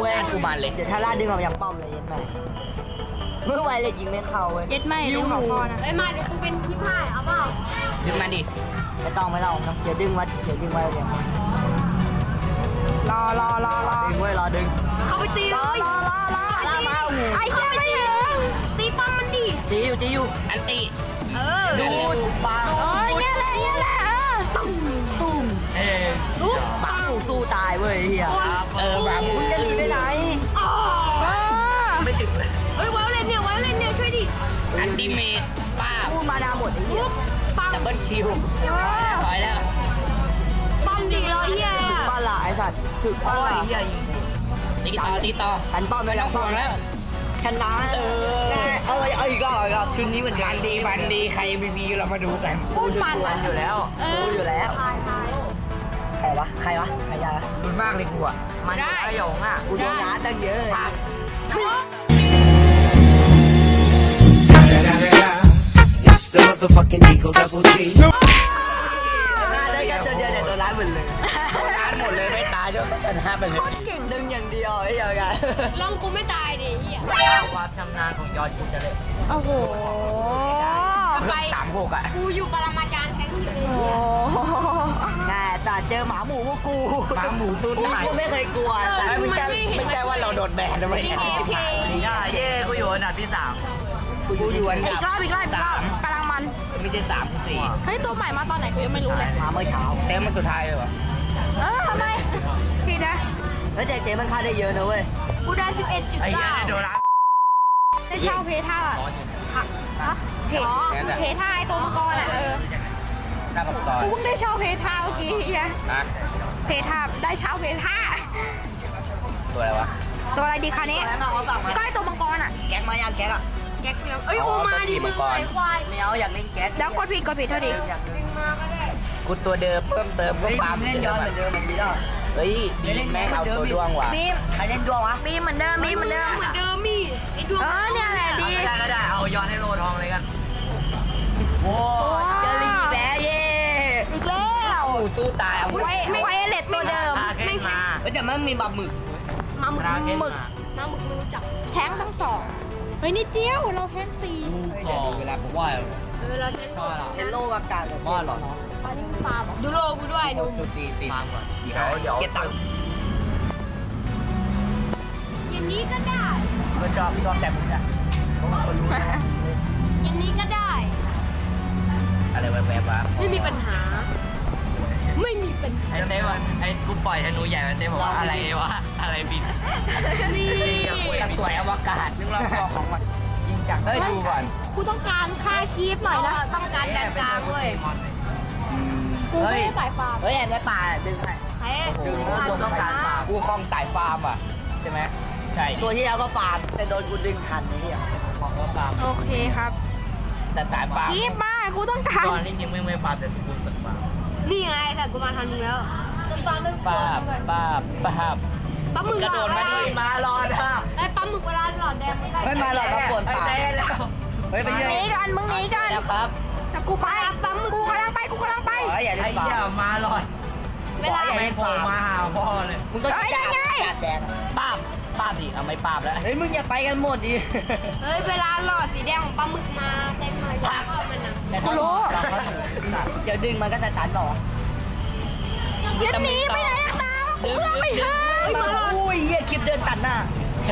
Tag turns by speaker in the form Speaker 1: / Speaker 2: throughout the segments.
Speaker 1: เว้ย
Speaker 2: กูมันเลย
Speaker 1: เดี๋ยวถ้าล่าดึงออกจากป้อมเลยเย็นไปเมื่อไวเลยยิงไม่เข้าเว้ย
Speaker 3: เย็ดไม่ดึงของพ่อนะ
Speaker 4: เอ้ยมาเดี๋ยวกูเป็น25เอาเปล่า
Speaker 2: ดึงมาดิ
Speaker 1: ไม่ต้องเดี๋ยวดึงไว้เดี๋ยวดึงไว้เลย
Speaker 3: รอ
Speaker 1: ดึงไว้รอดึง
Speaker 4: เข้าไปตีเลย
Speaker 1: ล่ามาโอ้โห
Speaker 4: ไอ้เหี้ยไม่ถึงตีป้อมมันดิ
Speaker 1: จีอยู่
Speaker 2: อันติ
Speaker 1: ดูดปา
Speaker 3: โอ้ยเนี่ยแหละ
Speaker 1: ตุ้ม
Speaker 2: เออ
Speaker 1: ปาสู้ตายเว้ยเฮีย
Speaker 2: บาบู
Speaker 1: จะหนีไปไหน
Speaker 2: ไม่ถึงเลย
Speaker 4: เฮ้ยว้าวเล่นเนี่ยช่วยดิ
Speaker 2: อันติเมตป้า
Speaker 1: พูดมานาหมดไอ้เหี้ย
Speaker 4: ปัง
Speaker 2: ดับเบิลคิวถอยแล้ว
Speaker 4: ป้อมดิรอเหี้ย
Speaker 1: บ้านละไอ้สัตว์ถึกบ้านละ
Speaker 2: ตีต่อ
Speaker 1: หันป้อมไปแล้ว
Speaker 2: ห่วงแล้ว
Speaker 1: ชนะเอาอีกรอบคืนนี้เหมือน
Speaker 2: บันดีใครมีพีเรามาดูกัน
Speaker 3: พูดมัน
Speaker 1: อยู่แล้วรู้อยู่แล้ว
Speaker 4: ตาย
Speaker 1: ใครวะใครยา
Speaker 2: รุนมากเลยกูอ่ะ
Speaker 1: มันไอหยงอ่ะกูโดนน้าตั้งเยอะ
Speaker 5: It's the motherfucking Eagle Double G.
Speaker 1: ได้กันเดียวเนี่ยโดนร้านหมดเลย
Speaker 2: ร้านหมดเลยไม่ตายจนชนะไปเลย
Speaker 1: เก่งดึงอย่างเดียวไอ้เหี้ยกัน
Speaker 4: ลองกูไม่ตายดิเหี้ย
Speaker 2: ความชำนาญของยอดกูจะเลย
Speaker 3: โอ้โห
Speaker 4: ไป
Speaker 2: 36อ่ะ
Speaker 4: กูอยู่ปรมาจารย์แทงอยู่เลย
Speaker 3: โอ้
Speaker 1: แน่แต่เจอหมาหมูพวกกู
Speaker 2: หมาหมูตู้ไหน
Speaker 1: กูไม่เคยกลัวแต่
Speaker 2: ไม่ใช่ว่าเราโดนแบนนะไม่
Speaker 4: ยิง
Speaker 2: ใช่
Speaker 4: AFK
Speaker 1: เย้กูอยู่อันดับที่3กูอยู่อัน
Speaker 3: อี
Speaker 1: ดั
Speaker 3: ก
Speaker 1: บ
Speaker 3: รอบกำลังมัน
Speaker 2: ไม่ใช่3 4
Speaker 3: เฮ้ยตัวใหม่มาตอนไหนกูยังไม่รู้เลย
Speaker 1: มาเมื่อเช้า
Speaker 2: เต็มมันสุดท้ายเลยวะ
Speaker 3: ทำไมผิดนะ
Speaker 1: แล้วเจ๊มันค่าได้เยอะนะเว้ย
Speaker 4: กูได้
Speaker 2: ไอ้เหี้ยโดน
Speaker 4: 11.9
Speaker 2: รับ
Speaker 3: ได้เช่าเพท่าเพท่าไอตัวมังกรอ่ะ
Speaker 2: หน้าปากซอย
Speaker 3: กูเพิ่งได้เช่าเพท่าเมื่อกี้เฮีย
Speaker 2: นะ
Speaker 3: เพท่าได้เช่าเพท่า
Speaker 2: ตัวอะไรวะ
Speaker 3: ตัวอะไรดีคราวนี้
Speaker 1: แล้วมาเขาสั่งมา
Speaker 3: ก็ไอตัวมังกรอ่ะ
Speaker 1: แก๊กมายังแก๊กอ่ะ
Speaker 4: แก๊กเนี่ยเอ้ยกูมาดิมึงไอ้ควาย
Speaker 1: ไม่เอาอยากเล่นแก๊ก
Speaker 3: แล้วกดผิดเท่าดิ
Speaker 4: มาก็ได้
Speaker 2: กูตัวเดิมเพิ่มเติมก็
Speaker 1: เฮ้ย
Speaker 2: ปั๊ม
Speaker 1: เล่นย้อนเหมือนเดิมมันดีแล้ว
Speaker 2: เฮ้ยดีแม่งเอาตัวดวงว่ะ
Speaker 3: บีม
Speaker 1: ใครเล่นดวงวะ
Speaker 3: บีมเหมือนเดิม
Speaker 4: เหมือนเดิมมีไอ้ดวง
Speaker 3: เนี่ยแหละดี
Speaker 1: ก็ได้เอาย้อนให้โลทองเลยกันโอ้เจอรีแบเย่
Speaker 3: อีกแล้ว
Speaker 2: กูสู้ตายเอา
Speaker 3: ไวเลตตัวเดิม
Speaker 1: ไม่มาแต่มันมีบะหมึก
Speaker 4: มาหมึก
Speaker 1: หมึก
Speaker 4: น้ำหมึกรู้จัก
Speaker 3: แท้งทั้งสองเฮ้ยนิดเดียวเราแท้งสี่
Speaker 2: เวลาผมว่า
Speaker 4: เวลาเล่น
Speaker 1: เล่นโลกอากาศว่าหรอ
Speaker 3: อันนี้ฟาร์ม
Speaker 4: ดูโลกูด้วยหนุ่ม
Speaker 2: จุดตีฟังก่อนเดี๋ยว
Speaker 1: เก็บตังค์
Speaker 4: อย่างนี้ก็ได้
Speaker 2: ก็ชอบแต่มึงอะ
Speaker 4: อย่างนี้ก็ได้
Speaker 2: อะไรแวบๆวะ
Speaker 4: ไม่มีปัญหา ไม่มีปัญหา
Speaker 2: ไอ้เต้ว่าไอ้กูปล่อยธนูใหญ่มาเต้บอกว่าอะไรวะอะไรบิน
Speaker 4: นี่
Speaker 2: สวยอวกาศนึกรอบตัวของมันยิงจากเฮ้ยดูก่อน
Speaker 3: กูต้องการค่าคีฟหน่อยนะ
Speaker 4: ต้องการแดนกลางเว้ย
Speaker 3: กูไม่ได้สายฟาร์ม
Speaker 1: เฮ้ยแอนได้ป่าดึงให้
Speaker 4: แพ้
Speaker 1: ดึงต้องการป่า
Speaker 2: กูคลองสายฟาร์มอ่ะใช่ไหมใช่
Speaker 1: ตัวที่แล้วก็ฟาร์มแต่โดนกูดึงทันไอ้เหี้ย
Speaker 2: คลองก็ฟาร์ม
Speaker 3: โอเคครับ
Speaker 2: แต่สายฟาร์ม
Speaker 3: คีฟมากูต้องการ
Speaker 2: ตอนนี้ยังไม่ฟาร์มแต่สกูลสักฟาร์ม
Speaker 4: นี่ไงแต่กูมาทันมึงแล้ว
Speaker 2: ป้าบ
Speaker 4: ปลาหมึก
Speaker 2: กระโดดมาดิมารอนะ
Speaker 4: ไอ้ปลาหมึกเวลาหลอดแดงมันได้
Speaker 1: ไม่มาหรอกมาปวดป่า
Speaker 2: เต้แล้ว
Speaker 1: เฮ้ยไป
Speaker 3: ห
Speaker 1: เยอะ
Speaker 3: นีกันมึงหนีกัน
Speaker 2: แล้วครับ
Speaker 3: แต่กูไปกูกำลังไป
Speaker 1: ขออย่า
Speaker 2: ไอ้
Speaker 1: เล่นป่า
Speaker 2: เหี้ยมาหลอด
Speaker 4: เวลา
Speaker 2: ไม่โผล่มาหาพ่อเลย
Speaker 1: มึงต้องจับแดง
Speaker 2: ป้าบดิเอาไม่ป้าบแล้ว
Speaker 1: เฮ้ยมึงอย่าไปกันหมดดิ
Speaker 4: เฮ้ยเวลาหลอดสีแดงของปลาหมึกมาเต็มเลยอยากเอามันนะ
Speaker 1: กูรู้เดี๋ยวดึงมันก็จะตันบอก
Speaker 3: ยันหนีไปไหนตามกูเพื่อไม่ถึง
Speaker 1: เฮ้ยมาอุ้ยเหี้ยคลิปเดินตัดหน้า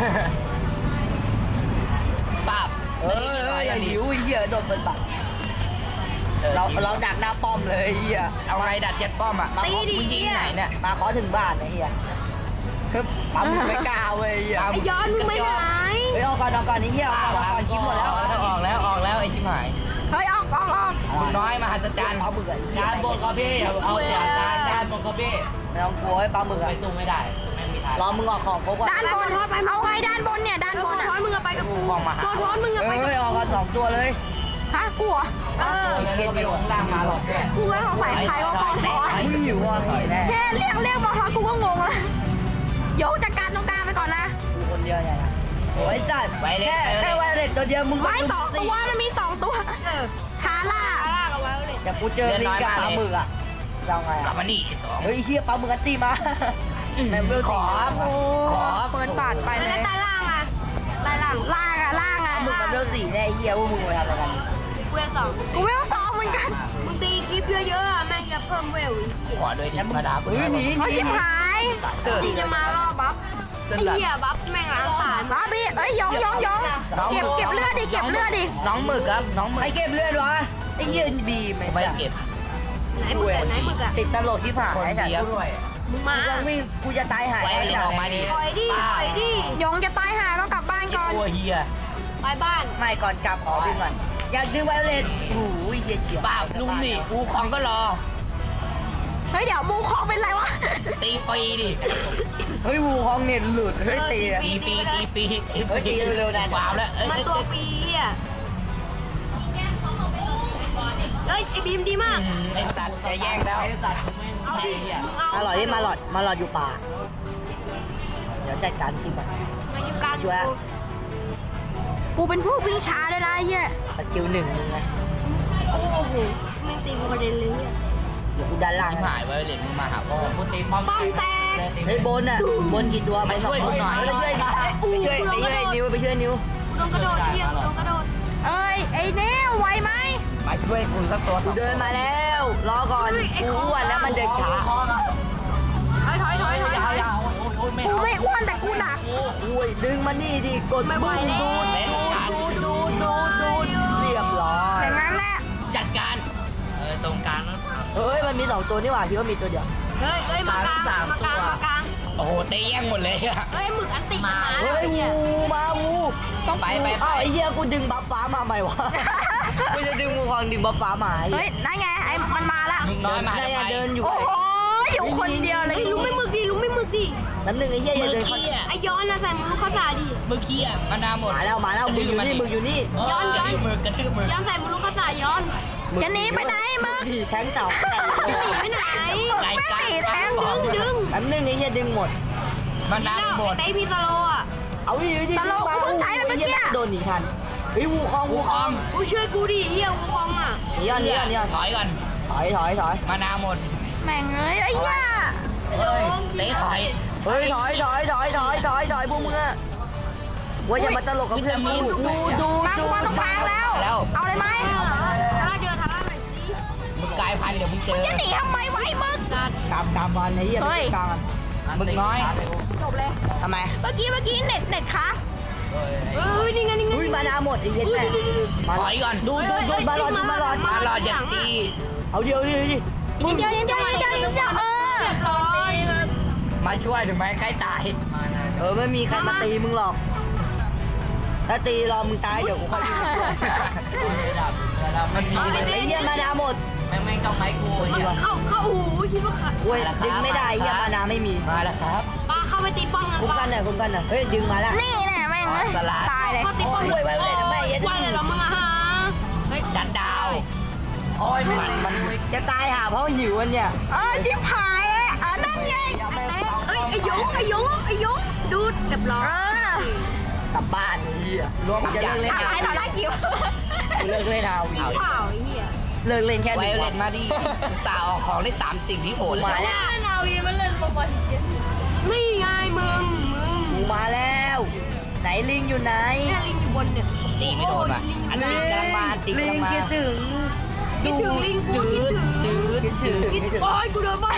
Speaker 2: ป้าบ
Speaker 1: อย่าหิวเหี้ยโดนเป็นบัตรเราดักหน้าป้อมเลยเหี้ย
Speaker 2: เอาไงดัดเจ็ดป้อมอ่ะมึงยิงไหนเนี่ย
Speaker 1: มาขอถึงบ้านไอ้เหี้ยคือปั๊มไม่กล้าเว้ยเหี้ย
Speaker 4: ไอ้ย้อนมึงไม่หาย
Speaker 1: เฮ้ยออกก่อนนี่เหี้ยออกก่อนคลิปหมดแล้ว
Speaker 2: ออกแล้วไอ้ชิบหาย
Speaker 3: เฮ้ยออก
Speaker 2: มึงน้อยมหัศจรรย์
Speaker 1: ปลาหมึกอ่ะ
Speaker 2: ด้านบนก็พี่เอาเสียด้านบนก็พี่
Speaker 1: ไม่ต้องกลัวไอ้ปลาหมึก
Speaker 2: ไป
Speaker 1: อ่ะ
Speaker 2: สู้ไม่ได้แม่งมีทาง
Speaker 1: รอมึงออกของครบก่อน
Speaker 3: ด้านบนเอาไงด้านบนเนี่ยด้าน
Speaker 4: เออบ
Speaker 3: น
Speaker 4: ท้อน
Speaker 3: อ่ะ
Speaker 4: มึงอะไปกับกู
Speaker 2: มองมาหา
Speaker 4: ตัวท้อนมึงอะไปกับ
Speaker 1: เฮ้ยออกกัน2ตัวเลย
Speaker 3: ฮะกูอ่ะ
Speaker 4: เออ
Speaker 2: แล้วก็ไปลงล่างมาหรอกเนี่ย
Speaker 3: กูแล้วสงสัยใครว่าบอลทอน
Speaker 1: มึงหิวอ่ะหน่อยแน่
Speaker 3: แค่เรียกบอลทอนกูก็งงแล้วโยกจัดการตรงกลางไปก่อนนะ
Speaker 1: กูคนเดียวเนี่ยนะโอ้ยจัดแค่ไวเล็ตตัวเดียวมึง
Speaker 3: ไม่สองตัวมันมี2ตัว
Speaker 4: เออ
Speaker 3: คาร่า
Speaker 4: ลากเอาไว้เลย
Speaker 1: แต่กูเจอลิงกับปลาหมึกอ่ะจะไง
Speaker 2: กลั
Speaker 1: อ่ะ
Speaker 2: บมานี่สอง
Speaker 1: เฮ้ยเฮียปลาหมึกอันตีมาแม่งเวล
Speaker 2: ขอ
Speaker 3: เปิดป่าาดไปเล
Speaker 4: แล้ว
Speaker 3: ย
Speaker 4: ใต้ล่างอ่ะใต้ล่าง
Speaker 3: ล่างอะล่างอะ
Speaker 1: มึงกับเบลสี่แน่เหี้ยพวกมึงไปทำอะไรกัน
Speaker 4: เวลสอง
Speaker 3: กูไม่ต้องซ้อมเหมือนกัน
Speaker 4: มึงตีคลิปเยอะๆอะแม่งจะเพิ่มเวลอีก
Speaker 2: ขอด้วยที่มาดา
Speaker 1: เฮ้ยหนี
Speaker 3: เขาชิบหาย
Speaker 4: ที่จะมาล่อบัฟไอ้เหี้ยบัฟแม่งล้างผ่าน
Speaker 3: มาพี่เอ้ยยองเก็บเลือดดิเก็บเลือดดิ
Speaker 2: น้องหมึกครับน้องหมึก
Speaker 1: ไอ้เก็บเลือดวะไอ้เหี้ยบีม
Speaker 2: ไม่เก็บ
Speaker 4: ไหนมึงอะไหนมึงอะ
Speaker 1: ติดตลกที่ผ่าน
Speaker 2: คน
Speaker 1: ไอ้สัตว์
Speaker 2: เดียวด้วย
Speaker 4: มึงมา
Speaker 1: กูวิ่งกูจะตายหาย
Speaker 2: ไว้เลยออกมาดิ
Speaker 4: ถอยดิถอยดิ
Speaker 3: ยองจะตายหาต้องกลับบ้านก่อน
Speaker 2: ตัวเฮีย
Speaker 4: ไปบ้าน
Speaker 1: ไม่ก่อนกลับขอดึงก่อนอยากดึงไวโอเลตโอ้ยเหี้ยเฉียบ
Speaker 2: เปล่าลุงนี่กูของก็รอ
Speaker 3: เฮ้ยเดี๋ยวมูคองเป็นไรวะ
Speaker 2: ตีปีดิ
Speaker 1: เฮ้ยวูฮองเน็ตหลุดเฮ้ยตีอะ
Speaker 2: ตีปีตีปี
Speaker 1: เฮ้ยตีเร็วๆนะ
Speaker 2: วาวแล้ว
Speaker 4: มาตัวปีอ่ะเอ้ยไอ้บีมดีมาก
Speaker 2: ไอ้สัตว์จะแย่งแล้ว
Speaker 4: เอาดิมึงเอา
Speaker 1: มาหลอดดิมาหลอดอยู่ป่าเดี๋ยวจัดการชิมก่อน
Speaker 4: มาอยู่กลางอยู่กู
Speaker 3: กูเป็นผู้วิ่งช้าเลยนะไอ้เหี้ย
Speaker 1: สกิลหนึ่งมึงนะ
Speaker 4: โอ้โหแม่งตีกูกระเด็นเลยเนี่ย
Speaker 1: เดี๋ยวกูดันล่าง
Speaker 2: ที่
Speaker 1: ให้
Speaker 2: หายไว้เลยมึงมาหาพ่อพูดตีป้อม
Speaker 4: ป้อมแตก
Speaker 1: เฮ้ยบนอ่ะบนกี่ตัวไปช่วยนิ้วไปช่วยนิ้ว
Speaker 4: กูโดนกระโดดเฮียกูโดนกระโดด
Speaker 3: เอ้ยไอ้เนี้ยไหวไหม
Speaker 2: มาช่วยกูสักตัว
Speaker 1: กูเดินมาแล้วรอก่อนกูอ้วนแล้วมันเดินช้า
Speaker 4: ถอย
Speaker 3: กูไม่อ้วนแต่กูหนัก
Speaker 1: อุ้ยดึงมานี่ดิกดบึ้งดูดเรียบร้อย
Speaker 3: อย่างนั้นแหละ
Speaker 2: จัดการตรงกลางนะ
Speaker 1: เฮ้ยมันมี2ตัวนี่หว่าคิดว่ามีตัวเดียว
Speaker 4: เฮ้ยมากลาง
Speaker 2: โอ้โหเตะแย่งหมดเลยอะ
Speaker 4: เฮ้ยหมึกอันติมา
Speaker 1: เฮ้ยวูมาวู
Speaker 2: ต้องไป
Speaker 1: อ้าวไอ้เหี้ยกูดึงบัฟฟ้ามาใหม่วะกูจะดึงมูคองดึงบัฟฟ้ามา
Speaker 3: เฮ้ยนั่นไงไอ้มันมาละ
Speaker 2: มึงน้อยมา
Speaker 1: ได้เดินอยู่
Speaker 3: โอ้โหอยู่คนเดียวเลย
Speaker 4: เฮ้ยลุงไม่หมึกดิ
Speaker 1: น้ำหนึ่งไอ้เหี้ยอย่า
Speaker 2: เมื่อ
Speaker 1: เดิน
Speaker 2: กี้อ่ะ
Speaker 4: ไอ้ย้อนนะใส่มึงลูกข้าวสารดิ
Speaker 2: เมื่อกี้อ่ะมันนาหมด
Speaker 1: มาแล้วมึงอยู่นี่
Speaker 4: ย้อน
Speaker 2: กระทืบมือ
Speaker 4: ย้อนใส่มึงลูกข้าวสารย้อน
Speaker 3: จะหนีไปไหนมึง
Speaker 1: แทงเสา
Speaker 4: หนีไปไหน
Speaker 2: รายการ
Speaker 4: ดึง
Speaker 1: น้ำหนึ่งไอ้เหี้ยดึงหมด
Speaker 2: มันนาหมด
Speaker 4: ไอ้พี่สโลอ่ะ
Speaker 1: เอาดิโดนหนีทันเฮ้ยวูคอง
Speaker 4: กูช่วยกูดิเฮียกูฟองอ่ะ
Speaker 1: นี่
Speaker 2: ถอยก่อน
Speaker 1: ถอย
Speaker 2: มานาหมด
Speaker 3: แม่งเอ้ยไอ้เหี้ย
Speaker 2: เตะถอย
Speaker 1: เฮ้ยถอยพวกมึงอะว่าอย่ามาตลกกับเพื่อนกูดู
Speaker 3: มากูมาตรงกลางแล้ว เอาเลยไหม
Speaker 4: ถ้าเดินทางหน่อยสิ
Speaker 2: มึงกลายพันธุ์เดี๋ยวมึงเจอ
Speaker 3: จะหนีทำไมวะไอ้มึง
Speaker 1: กามวันไอ้เหี้ยกาม
Speaker 2: มึงน้อย
Speaker 3: จบเลย
Speaker 1: ทำไม
Speaker 3: เมื่อกี้เน็ตค้าง
Speaker 4: เฮ้ยนี่ไง
Speaker 1: อุ้ยมานาหมดไอ้เหี้ยแม่
Speaker 2: ถอยก่อน
Speaker 1: ดูมาหลอด
Speaker 2: มารออย่าตี
Speaker 1: เอาเดียวดิ
Speaker 3: นิดเดียวเออ
Speaker 4: เรียบร้อย
Speaker 2: มาช่วยถึงแม้ใครตาย
Speaker 1: ไม่มีใครมาตีมึงหรอก ถ้าตีรอมึงตายเดี๋ยวกูค่อยยิง
Speaker 2: มันมี
Speaker 1: ไอ้เหี้ยมานาหมด
Speaker 2: แม่งต้องไม้กู
Speaker 4: เข้าหูคิดว่าขา
Speaker 1: เว้ยดึงไม่ได้เหี้ยมานาไม่มี
Speaker 2: มาแล้วครับ
Speaker 4: ปลาเข้าไปตีป้อมกัน
Speaker 1: คุ้ม
Speaker 4: ปะ
Speaker 1: กันหน่อยเฮ้ยดึงมาแล้ว
Speaker 3: นี่แหละแม่งเอ้ยตายเลย
Speaker 4: เขาตีป้อม
Speaker 1: โอ้ยไว้เลยทำไมอ่ะ
Speaker 4: วันเลยเหรอมึงอะฮะเฮ้ย
Speaker 2: จัดดาวโอ้ยมัน
Speaker 1: จะตายหาเพราะหิวกันเนี่ย
Speaker 3: ชิบหายนั่นไง
Speaker 4: เอ้ยไอ้ยงดูดเรียบร้อย
Speaker 1: กลับบ้านเหี้ยรวมจะเลิกเล่น
Speaker 3: ตายต่อหน้ากิ้ว
Speaker 1: เลิกเล่นเอา
Speaker 4: สีขาวไอ้เหี้ย
Speaker 1: เลิกเล่นแค่
Speaker 2: ไว
Speaker 1: ดึง
Speaker 2: เล่นมาดิตาออกของได้3สิ่งที่โหด
Speaker 1: มาแล้ว
Speaker 4: นี่ไงมึง
Speaker 1: กูมาแล้ว ไหนลิงอยู่ไหน
Speaker 4: เนี่ยลิงอยู่บนเนี่ย
Speaker 2: ตีไม่โดนว่ะอันนี้กำลังมาตี
Speaker 1: ลิ
Speaker 2: กำลั
Speaker 1: ง
Speaker 2: งมา
Speaker 1: คิดถึง
Speaker 4: คิดถึงลิงกูคิดถึง
Speaker 1: คิดถึง
Speaker 4: คิดถึงโอ้ยกูโดนบ้า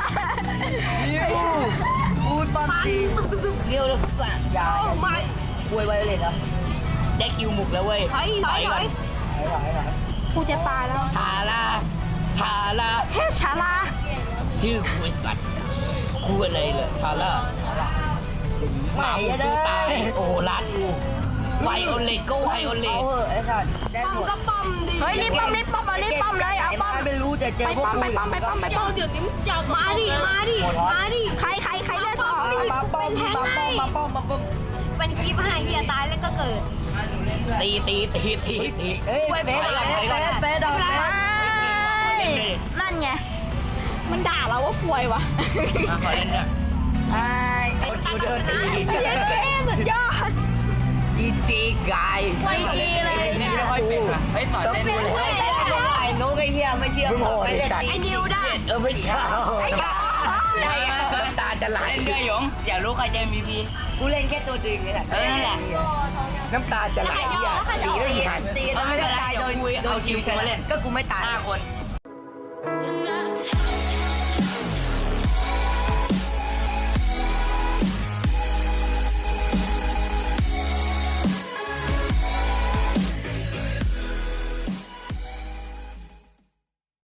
Speaker 1: พูดปั๊มจี
Speaker 4: ตึ๊บ
Speaker 2: เรียวเลยสั่ง
Speaker 1: ยา
Speaker 4: โอ้ไม่
Speaker 1: อวยไวโอเลตเหรอ
Speaker 2: ได้คิวหมุกแล้วเว้ย
Speaker 4: ถอย
Speaker 1: ถอย
Speaker 3: กูจะตายแล้ว
Speaker 2: ทารา
Speaker 3: เฮ้ชาลา
Speaker 2: ชื่อคุยสัตว์คุยอะไรเลยทาราหมากูตายโอ้ลาดกูไวโอเลโก้ไวโอเล
Speaker 1: เอาเหอะไอ้สัตว์ได้
Speaker 4: ป้อ
Speaker 1: ห
Speaker 4: ม
Speaker 1: มด
Speaker 4: ก็ป้อมดิ
Speaker 3: เฮ้ยรีบป้อมเลยเอาป้อม
Speaker 1: ไม่รู้จะเจอ
Speaker 3: ไป
Speaker 1: พวก
Speaker 3: ป้อม
Speaker 1: กู
Speaker 3: ไปป้อมเดี๋ยวนี้
Speaker 4: มาดิ
Speaker 3: ใครเลือดออก
Speaker 1: มาป้อม
Speaker 4: เป็นคลิปให้เฮียตายแล้วก็เกิด
Speaker 2: ตี
Speaker 1: เฮ้ยเฟสดอก
Speaker 3: นั่นไงมันด่าเราว่าป่วยวะ
Speaker 2: มาขอเล่นด้วย
Speaker 1: ไอ้กูเดินตี
Speaker 3: เย้สุดยอด
Speaker 2: จีกาย
Speaker 3: ไม่ดีเลย
Speaker 2: นี่ไม่ค่อยเป็นว่ะเฮ้ยต่อเต้นเลย
Speaker 1: ไอ้นกไอ้เหี้ยไม่เชื่อไม่ได้
Speaker 4: ไอ้นิวได้
Speaker 2: ไม่ใช่ได้ตาจะไหลเรื่อยๆอยู่งอยากรู้ใครจะ MVP
Speaker 1: กูเล่นแค่ตัวดึงนี่แหละ
Speaker 2: นั่นแหละ
Speaker 6: น้ำตาจะไหลอ่ะ
Speaker 1: ตี
Speaker 6: ตี
Speaker 1: แล้
Speaker 6: ได้
Speaker 1: ว
Speaker 6: ยังไง
Speaker 1: ตีแล้วไม่ได้ตายโดยทีมชนะก็กูไม่ตาย
Speaker 2: 5 คน